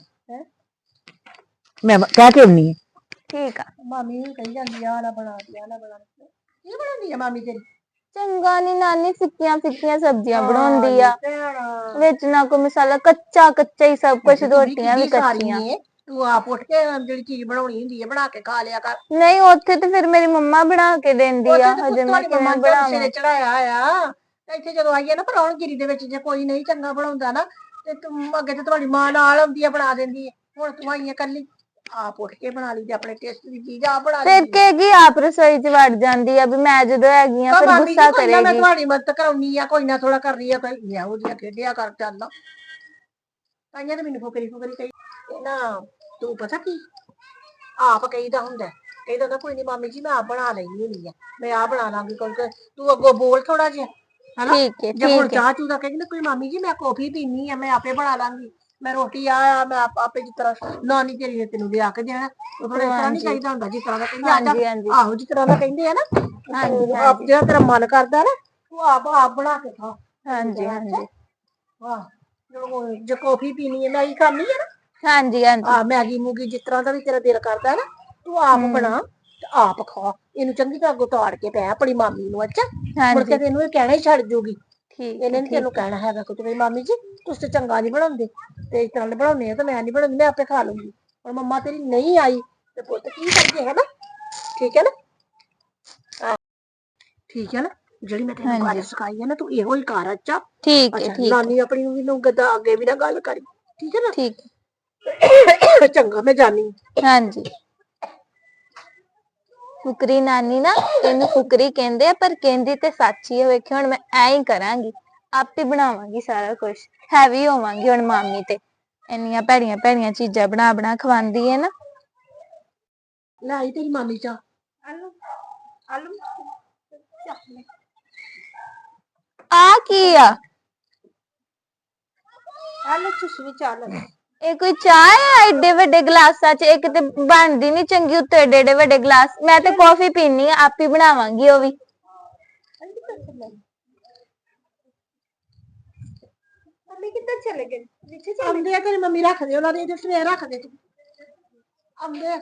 Speaker 2: ਮੈਂ ਕਹਿ ਕੇ ਆਉਣੀ ਹੈ
Speaker 1: ਠੀਕ ਆ
Speaker 3: ਮਾਮੀ ਕਹੀ ਜਾਂਦੀ ਆ ਨਾ ਬਣਾ ਦਿਆ ਨਾ ਬਣਾ ਕੀ ਬਣਾਉਂਦੀ ਆ ਮਾਮੀ ਤੇਰੀ
Speaker 1: ਚੰਗਾ ਨੀ ਨਾਨੀ ਫਿੱਕੀਆਂ ਫਿੱਕੀਆਂ ਸਬਜ਼ੀਆਂ ਬਣਾਉਂਦੀ ਆ ਵਿੱਚ ਨਾ ਕੋਈ ਮਸਾਲਾ ਕੱਚਾ ਕੱਚਾ ਹੀ ਸਭ ਕੁਝ ਰੋਟੀਆਂ ਵੀ ਕੱਚੀਆਂ
Speaker 3: ਤੂੰ ਆਪ ਉੱਠ ਕੇ ਜਿਹੜੀ ਚੀਜ਼ ਬਣਾਉਣੀ ਹੁੰਦੀ ਹੈ ਬਣਾ ਕੇ ਖਾ ਲਿਆ ਕਰ
Speaker 1: ਨਹੀਂ ਉੱਥੇ ਤੇ ਫਿਰ ਮੇਰੀ ਮੰਮਾ ਬਣਾ ਕੇ ਦਿੰਦੀ ਆ ਹਜੇ ਮੈਂ ਕਿਵੇਂ ਬਣਾਵਾਂ
Speaker 3: ਚੜਾਇਆ ਆ ਇੱਥੇ ਜਦੋਂ ਆਈਏ ਨਾ ਪਰੌਣਗਿਰੀ ਦੇ ਵਿੱਚ ਜੇ ਕੋਈ ਨਹੀਂ ਚੰਗਾ ਬਣਾਉਂਦਾ ਨਾ ਤੇ ਤੂੰ ਅੱਗੇ ਤੇ ਤੁਹਾਡੀ ਮਾਂ ਨਾਲ ਆਉਂਦੀ ਆ ਬਣਾ ਦਿੰਦੀ ਹੈ ਹੁਣ ਤੂੰ ਆਈਏ ਕੱਲੀ ਆਪ ਉੱਠ ਕੇ ਬਣਾ ਲਈ ਤੇ ਆਪਣੇ ਟੇਸਟ ਦੀ ਚੀਜ਼ ਆਪ ਬਣਾ ਲਈ
Speaker 1: ਫਿਰ ਕਹੇਗੀ ਆਪ ਰਸੋਈ 'ਚ ਵੜ ਜਾਂਦੀ ਆ ਵੀ ਮੈਂ ਜਦੋਂ ਹੈਗੀ ਆ ਫਿਰ ਗੁੱਸਾ ਕਰੇਗੀ
Speaker 3: ਮੈਂ ਤੁਹਾਡੀ ਮਦਦ ਕਰਾਉਣੀ ਆ ਕੋਈ ਨਾ ਥੋੜਾ ਕਰ ਰਹੀ ਆ ਕੋਈ ਇਹੋ ਜਿਹਾ ਖੇਡਿਆ ਕਰ ਚੱਲ ਤਾਈਆਂ ਤੇ ਮੈਨੂੰ ਫੁਕਰੀ ਕਹੀ ਨਾ ਤੂੰ ਪਤਾ ਕੀ ਆਪ ਕਹੀਦਾ ਹੁੰਦਾ ਕਹਿੰਦਾ ਕੋਈ ਨਹੀਂ ਮਾਮੀ ਜੀ ਮੈਂ ਆਪ ਬਣਾ ਲੈਣੀ ਹੁੰਦੀ ਆ ਮੈਂ ਆ ਬਣਾ ਲਾਂਗੀ ਕੋਈ ਤੂੰ ਅੱਗੋਂ ਬੋਲ ਥੋੜਾ ਜਿਹਾ ਹਨਾ
Speaker 1: ਠੀਕ ਹੈ
Speaker 3: ਜੇ ਹੁਣ ਚਾਹ ਚੂ ਦਾ ਕਹਿੰਦੀ ਕੋਈ ਮਾਮੀ ਜੀ ਮੈਂ ਕਾਫੀ ਪੀਣੀ ਆ ਮੈਂ ਆਪੇ ਬਣਾ ਲਾਂਗੀ ਮੈਂ ਰੋਟੀ ਆ ਮੈਂ ਆਪੇ ਜਿਸ ਤਰ੍ਹਾਂ ਨਾਨੀ ਤੇਰੀ ਨੇ ਤੈਨੂੰ ਲਿਆ ਕੇ ਦੇਣਾ ਉਹ ਥੋੜਾ ਇਸ ਤਰ੍ਹਾਂ ਨਹੀਂ ਚਾਹੀਦਾ ਹੁੰਦਾ ਜਿਸ ਤਰ੍ਹਾਂ ਦਾ ਕਹਿੰਦੇ ਆਹੋ ਜਿਸ ਤਰ੍ਹਾਂ ਦਾ ਕਹਿੰਦੇ ਆ ਨਾ ਆਪ ਜਿਹੜਾ ਤੇਰਾ ਮਨ ਕਰਦਾ ਨਾ ਤੂੰ ਆਪ ਬਣਾ ਕੇ ਖਾ
Speaker 1: ਹਾਂਜੀ
Speaker 3: ਵਾਹ ਜੇ ਕਾਫੀ ਪੀਣੀ ਹੈ ਮੈਗੀ ਖਾਣੀ ਹੈ ਨਾ
Speaker 1: ਹਾਂਜੀ
Speaker 3: ਆ ਮੈਗੀ ਮੂਗੀ ਜਿਸ ਤਰ੍ਹਾਂ ਦਾ ਵੀ ਤੇਰਾ ਦਿਲ ਕਰਦਾ ਨਾ ਤੂੰ ਆਪ ਬਣਾ ਤੇ ਆਪ ਖਾ ਇਹਨੂੰ ਚੰਗੀ ਤਰ੍ਹਾਂ ਉਤਾੜ ਕੇ ਪੈ ਆਪਣੀ ਮਾਮੀ ਨੂੰ ਅੱਛਾ ਮੁੜ ਕੇ ਤੈਨੂੰ ਇਹ ਕਹਿਣਾ ਹੀ ਛੱਡ ਜੂਗੀ ਠੀਕ ਇਹਨੇ ਨੀ ਤੈਨੂੰ ਕਹਿਣਾ ਹੈਗਾ ਕੁਝ ਵੀ ਮਾਮੀ ਜੀ ਤੁਸੀਂ ਤੇ ਚੰਗਾ ਨਹੀਂ ਬਣਾਉਂਦੇ ਤੇ ਇਸ ਤਰ੍ਹਾਂ ਬਣਾਉਣੇ ਆ ਤੇ ਮੈਂ ਨਹੀਂ ਬਣਾਉਂਦੀ ਮੈਂ ਆਪੇ ਖਾ ਲੂੰਗੀ ਹੁਣ ਮੰਮਾ ਤੇਰੀ ਨਹੀਂ ਆਈ ਤੇ ਪੁੱਤ ਕੀ ਕਰੀਏ ਹੈ ਨਾ ਠੀਕ ਹੈ ਨਾ ਠੀਕ ਹੈ ਨਾ ਜਿਹੜੀ ਮੈਂ ਤੈਨੂੰ ਗੱਲ ਸਿਖਾਈ ਹੈ ਨਾ ਤੂੰ ਇਹੋ ਹੀ ਕਰ ਅੱਛਾ
Speaker 1: ਠੀਕ ਹੈ
Speaker 3: ਨਾਨੀ ਆਪਣੀ ਨੂੰ ਵੀ ਨੂੰ ਗੱਦਾ ਅੱਗੇ ਵੀ ਨਾ ਗੱਲ ਕਰੀ ਠੀਕ ਹੈ ਨਾ
Speaker 1: ਠੀਕ
Speaker 3: ਚੰਗਾ ਮੈਂ ਜਾਣੀ
Speaker 1: ਹਾਂਜੀ ਫੁਕਰੀ ਨਾਨੀ ਨਾ ਇਹਨੂੰ ਫੁਕਰੀ ਕਹਿੰਦੇ ਆ ਪਰ ਕਹਿੰਦੀ ਤੇ ਸੱਚੀ ਹੈ ਵੇਖਿਓ ਹੁਣ ਮੈਂ ਐ ਹੀ ਕਰਾਂਗੀ ਆਪੇ ਬਣਾਵਾਂਗੀ ਸਾਰਾ ਕੁਝ ਹੈਵੀ ਹੋਵਾਂਗੀ ਹੁਣ ਮਾਮੀ ਤੇ ਇੰਨੀਆਂ ਭੈੜੀਆਂ ਭੈੜੀਆਂ ਚੀਜ਼ਾਂ ਬਣਾ ਖਵਾਉਂਦੀ ਹੈ ਨਾ
Speaker 3: ਲੈ ਆਈ ਤੇਰੀ ਮਾਮੀ ਚਾ ਆਲੂ
Speaker 1: ਆ ਕੀ ਆ
Speaker 3: ਆਲੂ ਚੁਸਵੀ ਚਾਲ
Speaker 1: ਇਹ ਕੋਈ ਚਾਹ ਹੈ ਐਡੇ ਵੱਡੇ ਗਲਾਸਾਂ 'ਚ ਇੱਕ ਤੇ ਬਣਦੀ ਨਹੀਂ ਚੰਗੀ ਉੱਤੇ ਏਡੇ ਵੱਡੇ ਗਲਾਸ ਮੈਂ ਤੇ ਕਾਫੀ ਪੀਣੀ ਆ ਆਪੇ ਬਣਾਵਾਂਗੀ ਉਹ ਵੀ
Speaker 3: ਮੰਮੀ ਕਿੱਧਰ ਚਲੇ ਗਏ ਨੀਚੇ ਚਲੇ ਆਉਂਦੇ ਆ ਤੇਰੀ ਮੰਮੀ ਰੱਖ ਦੇ ਉਹਨਾਂ ਦੇ ਇੱਥੇ ਸਵੇਰ ਰੱਖ ਦੇ ਤੂੰ ਆਉਂਦੇ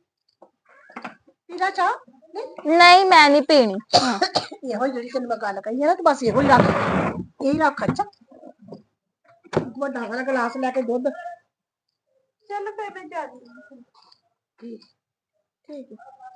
Speaker 3: ਪੀਲਾ ਚਾਹ
Speaker 1: ਨਹੀਂ ਮੈਂ ਨਹੀਂ ਪੀਣੀ
Speaker 3: ਇਹੋ ਜਿਹੜੀ ਤੈਨੂੰ ਮੈਂ ਗੱਲ ਕਹੀ ਹੈ ਨਾ ਤੂੰ ਬਸ ਇਹੋ ਹੀ ਰੱਖ ਇਹੀ ਰੱਖ ਅੱਛਾ ਵੱਡਾ ਵਾਲਾ ਗਲਾਸ ਲੈ ਕੇ ਦੁੱਧ ਚੱਲ ਫੇਰ ਮੈਂ ਜਾ ਠੀਕ ਠੀਕ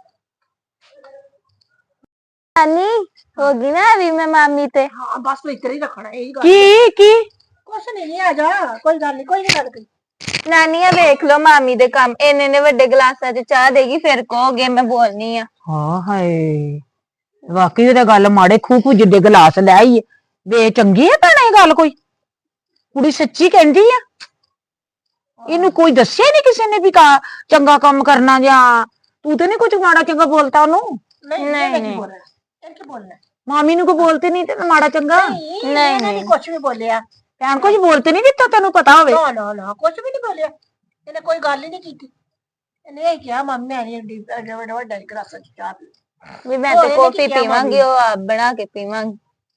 Speaker 1: ਨਾਨੀ ਹੋ ਗਈ ਨਾ ਵੀ ਮੈਂ ਮਾਮੀ ਤੇ
Speaker 3: ਹਾਂ ਬਸ ਤੂੰ ਇੱਧਰ ਹੀ ਰੱਖਣਾ ਇਹੀ ਗੱਲ
Speaker 2: ਕੀ
Speaker 3: ਕੁਛ ਨਹੀਂ ਆ ਜਾ ਕੋਈ ਗੱਲ ਨਹੀਂ ਕੋਈ ਨਹੀਂ ਗੱਲ ਕਰੀ
Speaker 1: ਨਾਨੀਆ ਵੇਖ ਲੋ ਮਾਮੀ ਦੇ ਕੰਮ ਇੰਨੇ ਵੱਡੇ ਗਲਾਸਾਂ 'ਚ ਚਾਹ ਦੇਗੀ ਫਿਰ ਕਹੋਗੇ ਮੈਂ ਬੋਲਨੀ ਆ
Speaker 2: ਹਾਂ ਹਾਏ ਵਾਕਈ ਇਹ ਗੱਲ ਮਾੜੇ ਖੂਖੂ ਜਿੱਡੇ ਗਲਾਸ ਲੈ ਆਈ ਵੇ ਚੰਗੀ ਹੈ ਭੈਣੇ ਇਹ ਗੱਲ ਕੋਈ ਕੁੜੀ ਸੱਚੀ ਕਹਿੰਦੀ ਆ ਇਹਨੂੰ ਕੋਈ ਦੱਸਿਆ ਨਹੀਂ ਕਿਸੇ ਨੇ ਵੀ ਚੰਗਾ ਕੰਮ ਕਰਨਾ ਜਾਂ ਤੂੰ ਤੇ ਨਹੀਂ ਕੁਝ ਮਾੜਾ ਚੰਗਾ ਬੋਲਤਾ ਉਹਨੂੰ
Speaker 3: ਨਹੀਂ ਬੋਲਣਾ
Speaker 2: ਮਾਮੀ ਨੂੰ ਕੋ ਬੋਲਤੇ ਨਹੀਂ ਤੇ ਮਾੜਾ ਚੰਗਾ
Speaker 3: ਨਹੀਂ ਕੁਝ ਵੀ ਬੋਲਿਆ
Speaker 2: ਭੈਣ ਕੁਝ ਬੋਲਤੇ ਨਹੀਂ ਦਿੱਤਾ ਤੈਨੂੰ ਪਤਾ ਹੋਵੇ
Speaker 3: ਨਾ ਕੁਝ ਵੀ ਨਹੀਂ ਬੋਲਿਆ ਇਹਨੇ ਕੋਈ ਗੱਲ ਹੀ ਨਹੀਂ ਕੀਤੀ ਇਹਨੇ ਇਹ ਕਿਹਾ ਮੰਮੀ ਆ ਰਹੀ ਵੱਡਾ ਗਲਾਸ ਚ ਚਾਹ ਪੀ
Speaker 1: ਵੀ ਮੈਂ ਤੇ ਕਾਫੀ ਪੀਵਾਂਗੀ ਉਹ ਆਪ ਬਣਾ ਕੇ ਪੀਵਾਂਗੀ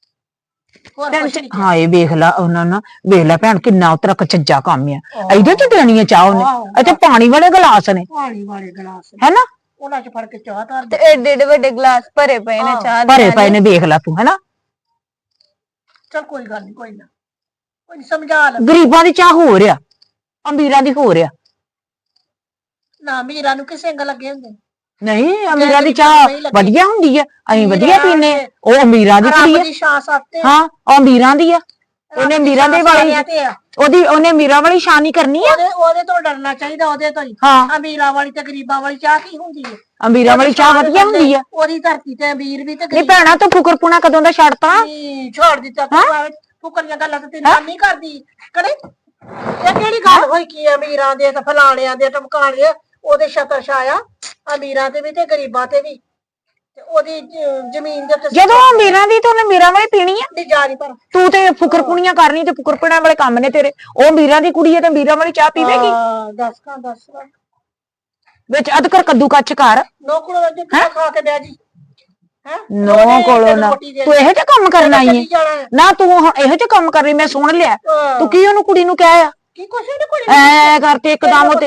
Speaker 2: ਹਾਏ ਵੇਖ ਲਾ ਉਹਨਾਂ ਨੂੰ ਵੇਖ ਲੈ ਭੈਣ ਕਿੰਨਾ ਉਤਰਾ ਕਚੱਜਾ ਕੰਮ ਆ ਇਹਦੇ ਚ ਦੇਣੀ ਆ ਚਾਹ ਉਹਨੇ ਇੱਥੇ ਪਾਣੀ ਵਾਲੇ ਗਲਾਸ ਨੇ ਹੈਨਾ
Speaker 3: ਉਹਨਾਂ ਚ ਫੜ ਕੇ ਚਾਹ ਧਰ
Speaker 1: ਤੇ ਏਡੇ ਵੱਡੇ ਗਲਾਸ ਭਰੇ ਪਏ ਨੇ ਚਾਹ
Speaker 2: ਭਰੇ ਪਏ ਨੇ ਵੇਖ ਲੈ ਤੂੰ ਹੈਨਾ
Speaker 3: ਚਲ ਕੋਈ ਗੱਲ ਨਹੀਂ ਕੋਈ ਨਾ ਕੋਈ ਸਮਝਾ ਲੈ
Speaker 2: ਗਰੀਬਾਂ ਦੀ ਚਾਹ ਹੋ ਰਿਆ ਅਮੀਰਾਂ ਦੀ ਹੋ ਰਿਆ
Speaker 3: ਨਾ ਅਮੀਰਾਂ ਨੂੰ ਕਿਸੇ ਸਿੰਗ ਲੱਗੇ ਹੁੰਦੇ
Speaker 2: ਨਹੀਂ ਅਮੀਰਾਂ ਦੀ ਚਾਹ ਵਧੀਆ ਹੁੰਦੀ ਆ, ਅਸੀਂ ਵਧੀਆ ਪੀਨੇ ਆ। ਉਹ ਅਮੀਰਾਂ ਦੀ ਕੁੜੀ ਆ।
Speaker 3: ਦੀ ਛਾਂ ਸੱਤੇ
Speaker 2: ਹਾਂ ਉਹ ਅਮੀਰਾਂ ਦੀ ਆ, ਉਹਨੇ ਅਮੀਰਾਂ ਦੇ ਵਾਲੀ ਉਹਨੇ ਅਮੀਰਾਂ ਵਾਲੀ ਸ਼ਾਨ ਹੀ ਕਰਨੀ ਆ।
Speaker 3: ਉਹਦੇ ਤੋਂ ਡਰਨਾ ਚਾਹੀਦਾ, ਉਹਦੇ ਤੋਂ ਹੀ।
Speaker 2: ਹਾਂ
Speaker 3: ਅਮੀਰਾਂ ਵਾਲੀ ਤੇ ਗਰੀਬਾਂ ਵਾਲੀ ਚਾਹ ਕੀ ਹੁੰਦੀ ਹੈ?
Speaker 2: ਅਮੀਰਾਂ ਵਾਲੀ ਚਾਹ ਵਧੀਆ ਹੁੰਦੀ ਆ।
Speaker 3: ਉਹਦੀ ਧਰਤੀ ਤੇ ਅਮੀਰ ਵੀ ਤੇ
Speaker 2: ਨਹੀਂ ਭੈਣਾ ਤੂੰ ਫੁਕਰਪੁਣਾ ਕਦੋਂ ਦਾ ਛੱਡਤਾ?
Speaker 3: ਛੋੜ ਦਿੱਤਾ ਤੂੰ, ਫੁਕਰੀਆਂ ਗੱਲਾਂ ਤੇ ਤੇਰੀ ਨਾਨੀ ਕਰਦੀ ਕਰੇ। ਇਹ ਕਿਹੜੀ ਗੱਲ ਹੋਈ ਕੀ ਅਮੀਰਾਂ ਦੇ ਤੇ ਫਲਾਣਿਆਂ ਦੇ ਟਮਕਾਣੇ ਉਹਦੇ ਛਤਰ ਛਾਇਆ ਅਮੀਰਾਂ ਤੇ ਵੀ ਤੇ ਗਰੀਬਾਂ ਤੇ ਵੀ, ਤੇ ਉਹਦੀ ਜ਼ਮੀਨ ਦੇ ਉੱਤੇ
Speaker 2: ਜਦੋਂ ਅਮੀਰਾਂ ਦੀ ਤੇ ਉਹਨੇ ਅਮੀਰਾਂ ਵਾਲੀ ਪੀਣੀ ਆ।
Speaker 3: ਨਹੀਂ ਜਾ ਨਹੀਂ ਪਰ
Speaker 2: ਤੂੰ ਤੇ ਫੁਕਰਪੁਣੀਆਂ ਕਰਨੀ ਤੇ ਫੁਕਰਪੁਣਾ ਵਾਲੇ ਕੰਮ ਨੇ ਤੇਰੇ। ਉਹ ਅਮੀਰਾਂ ਦੀ ਕੁੜੀ ਹੈ ਤੇ ਅਮੀਰਾਂ ਵਾਲੀ ਚਾਹ ਪੀਵੇਗੀ।
Speaker 3: ਦੱਸ
Speaker 2: ਵਿੱਚ ਅਦਕਰ ਕੱਦੂ ਕੱਚ ਕਰ
Speaker 3: ਨੌਕਰੋ ਦਾ ਖਾ ਕੇ ਬਹਿ ਜੀ
Speaker 2: ਨੋ ਕੋਲੋਂ ਨਾ ਤੂੰ ਇਹੋ ਜਿਹਾ ਕੰਮ ਕਰਨ ਆਈ ਹੈ ਨਾ। ਤੂੰ ਹੁਣ ਇਹੋ ਜਿਹਾ ਕੰਮ ਕਰ ਰਹੀ, ਮੈਂ ਸੁਣ ਲਿਆ। ਤੂੰ ਕੀ ਉਹਨੂੰ ਕੁੜੀ ਨੂੰ ਕਹਿਆ
Speaker 3: ਕੀ ਕੁਛ ਨਹੀਂ ਕੁੜੀ
Speaker 2: ਐ ਕਰਤੇ ਇੱਕਦਮ ਉਹ ਤੇ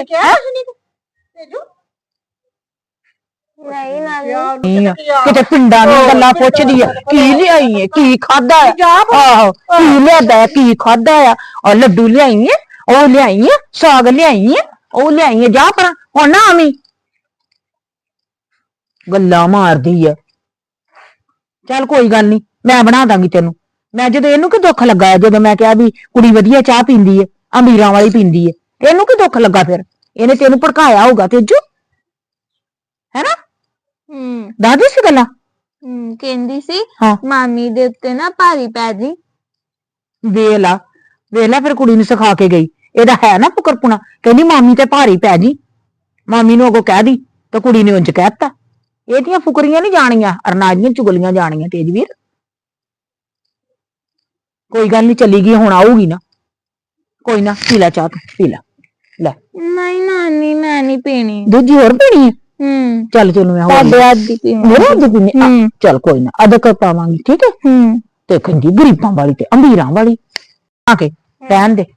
Speaker 1: ਨਹੀਂ ਨਾਨੀ
Speaker 2: ਕਿਤੇ ਪਿੰਡਾਂ ਦੀਆਂ ਗੱਲਾਂ ਪੁੱਛਦੀ ਆ, ਕੀ ਲਿਆਈ ਏ, ਕੀ ਖਾਦਾ ਆਹੋ ਕੀ ਲਿਆਦਾ, ਕੀ ਖਾਦਾ ਆ। ਉਹ ਲੱਡੂ ਲਿਆਈ ਏ, ਉਹ ਲਿਆਈ ਏ, ਸਾਗ ਲਿਆਈ ਏ, ਉਹ ਲਿਆਈ ਏ। ਜਾ ਪਰ ਹੁਣ ਨਾ ਆਵੀਂ, ਗੱਲਾਂ ਮਾਰਦੀ ਆ। ਚੱਲ ਕੋਈ ਗੱਲ ਨਹੀਂ, ਮੈਂ ਬਣਾ ਦਾਂਗੀ ਤੈਨੂੰ। ਮੈਂ ਜਦੋਂ ਇਹਨੂੰ ਕੀ ਦੁੱਖ ਲੱਗਾ ਹੈ, ਜਦੋਂ ਮੈਂ ਕਿਹਾ ਵੀ ਕੁੜੀ ਵਧੀਆ ਚਾਹ ਪੀਂਦੀ ਏ, ਅਮੀਰਾਂ ਵਾਲੀ ਪੀਂਦੀ ਏ, ਤੇ ਇਹਨੂੰ ਕੀ ਦੁੱਖ ਲੱਗਾ? ਫਿਰ ਇਹਨੇ ਤੈਨੂੰ ਭੜਕਾਇਆ ਹੋਊਗਾ ਤੇਜੂ, ਹੈਨਾ? ਦੱਸਦੀ ਸੀ ਗੱਲਾਂ।
Speaker 1: ਕਹਿੰਦੀ ਸੀ
Speaker 2: ਹਾਂ
Speaker 1: ਮਾਮੀ ਦੇ ਉੱਤੇ ਨਾ ਭਾਰੀ ਪੈ ਜੀ।
Speaker 2: ਵੇਖ ਲਾ ਫਿਰ ਕੁੜੀ ਨੂੰ ਸਿਖਾ ਕੇ ਗਈ। ਇਹਦਾ ਹੈ ਨਾ ਫੁਕਰਪੁਣਾ, ਕਹਿੰਦੀ ਮਾਮੀ ਤੇ ਭਾਰੀ ਪੈ ਜੀ, ਮਾਮੀ ਨੂੰ ਅੱਗੋਂ ਕਹਿ ਦੀ। ਤੇ ਕੁੜੀ ਨੇ ਉਂਝ ਕਹਿਤਾ। ਇਹਦੀਆਂ ਫੁਕਰੀਆਂ ਨਹੀਂ ਜਾਣੀਆਂ, ਅਰਨਾਜ ਦੀਆਂ ਚੁਗਲੀਆਂ ਜਾਣੀਆਂ। ਤੇਜਵੀਰ ਕੋਈ ਗੱਲ ਨਹੀਂ, ਚੱਲੀ ਗਈ ਹੁਣ ਆਊਗੀ ਨਾ, ਕੋਈ ਨਾ। ਪੀ ਲੈ ਚਾਹ, ਤੂੰ ਪੀ ਲੈ। ਲੈ
Speaker 1: ਨਹੀਂ ਨਾਨੀ ਮੈਂ ਨਹੀਂ ਪੀਣੀ।
Speaker 2: ਦੂਜੀ ਹੋਰ ਪੀਣੀ ਹੈ? ਚੱਲ ਤੈਨੂੰ ਮੈਂ ਹੋਰ
Speaker 1: ਤੁਹਾਡੇ ਹੱਥ ਦੀ ਪੀਣੀ।
Speaker 2: ਮੇਰੇ ਹੱਥ ਦੀ ਪੀਣੀ? ਚੱਲ ਕੋਈ ਨਾ, ਅਦਰਕ ਪਾਵਾਂਗੀ, ਠੀਕ ਹੈ। ਤੇ ਕਹਿੰਦੀ ਗਰੀਬਾਂ ਵਾਲੀ ਤੇ ਅਮੀਰਾਂ ਵਾਲੀ ਆ ਕੇ ਰਹਿਣ ਦੇ।